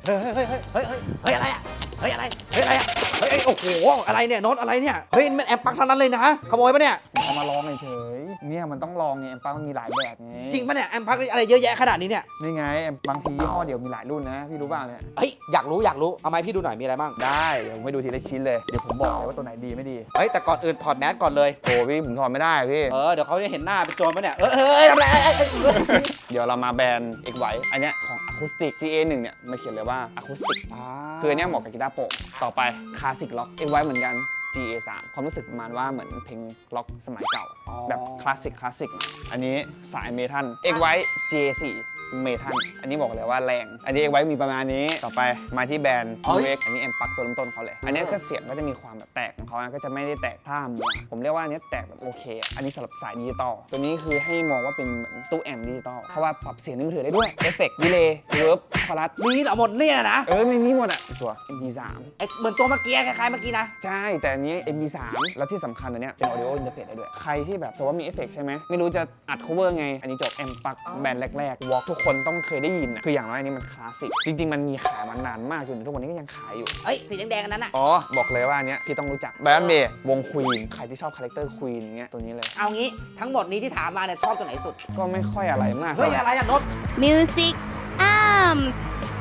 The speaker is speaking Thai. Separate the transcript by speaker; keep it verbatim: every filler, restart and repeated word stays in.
Speaker 1: เฮ้ยเฮ้ยเฮ้ยเฮ้ยเฮ้ยเฮ้ยอะไรอะเฮ้ยอะไรเฮ้ยอะไรอะเฮ้ยโอ้โหอะไรเนี่ยโน้ตอะไรเนี่ยเฮ้ยมันแอมปักทั้งนั้นเลยนะขโมยปะเนี่ย
Speaker 2: เอามาลองเฉยๆเนี่ยมันต้องลองไงแอมปักมันมีหลายแบบไง
Speaker 1: จริงปะเนี่ยแอมปักอะไรเยอะแยะขนาดนี้เนี่ย
Speaker 2: นี่ไงบางทียี่ห้อเดียวมีหลายรุ่นนะพี่รู้บ้างเนี่ย
Speaker 1: เฮ้ยอยากรู้อยากรู้เอาไม้พี่ดูหน่อยมีอะไรบ้าง
Speaker 2: ได้เดี๋ยวผมไปดูทีละชิ้นเลยเดี๋ยวผมบอกเลยว่าตัวไหนดีไม่ดี
Speaker 1: เฮ้ยแต่ก่อนอื่นถอดแมสก่อนเลย
Speaker 2: โอ้พี่ผมถอดไม่ได้พี่
Speaker 1: เออเดี๋ยวเขาจะเห็นหน้าเป็นโจรปะเนี่ยเออเฮ้ยทำไร
Speaker 2: เดี๋ยวเรามาแบรนด์ เอ็กซ์ ไว อันเนี้ยของ Acoustic จี เอ หนึ่ง เนี่ยมันเขียนเลยว่า Acoustic คืออันเนี้ยเหมาะกับกีตาร์โปร่งต่อไป Classic Rock เอ็กซ์ ไว เหมือนกัน จี เอ สาม ความรู้สึกประมาณว่าเหมือนเพลงล็อกสมัยเก่าแบบคลาสสิกคลาสสิกอันนี้สายเมทัล เอ็กซ์ ไว จี เอ สี่ เมทัลอันนี้บอกเลยว่าแรงอันนี้ เอ็กซ์ ไว มีประมาณนี้ต่อไปมาที่แบรนด์ ยู เอ็กซ์ อันนี้แอมปักตัวเริ่มต้นเขาเลยอันนี้ก็เสียงก็จะมีความแบบแตกของเขาก็จะไม่ได้แตกท่ามัวผมเรียกว่าอันนี้แตกแบบโอเคอันนี้สำหรับสายดิจิตอลตัวนี้คือให้มองว่าเป็นเหมือนตู้แอมดิจิตอลเพราะว่าปรับเสียงในมือถือได้ด้วยเอฟเฟกต์ดีเลย์รีเวิร์บคอรัส
Speaker 1: มีเหรอหมดเนี่ยนะ
Speaker 2: เออมีมีหมดอ่ะตัว เอ็ม พี สาม
Speaker 1: ไอเหมือนตัวเมื่อกี้คล้ายๆเมื่อกี้นะ
Speaker 2: ใช่แต่อันนี้ เอ็ม พี สาม แล้วที่สำคัญอันเนี้ยเป็น audio interface ได้ด้วยใครที่แบบสมมติว่ามีเอฟเฟกต์ใช่ไหมไม่รู้จะอัด cover ไงอันนี้จบแอมปักแบรนด์แรกๆ Walk ทุกคนต้องเคยได้ยินอ่ะคืออย่างน้อยอันนี้มันคลาสสิกจริงๆมันมีขายมานานมากจนถึงทุกวันนี้ก็ยังขายอยู่
Speaker 1: เอ้ยสีแดงๆอันนั้นอ่ะ
Speaker 2: อ๋อบอกเลยว่าอันเนี้ยพี่ต้องรู้จักแบรนด์เมย์วงควีนใครที่ชอบคาแรคเตอร์ควีนอย่างเงี้ยตัวนี้เลย
Speaker 1: เอางี้ทั้งหมดนี้ที่ถามมาเนี่ยชอบตัวไหนสุด
Speaker 2: ก็ไม่ค่อยอะไรมาก
Speaker 1: เฮ้ยอะไรอะโน้ต
Speaker 3: Music Arms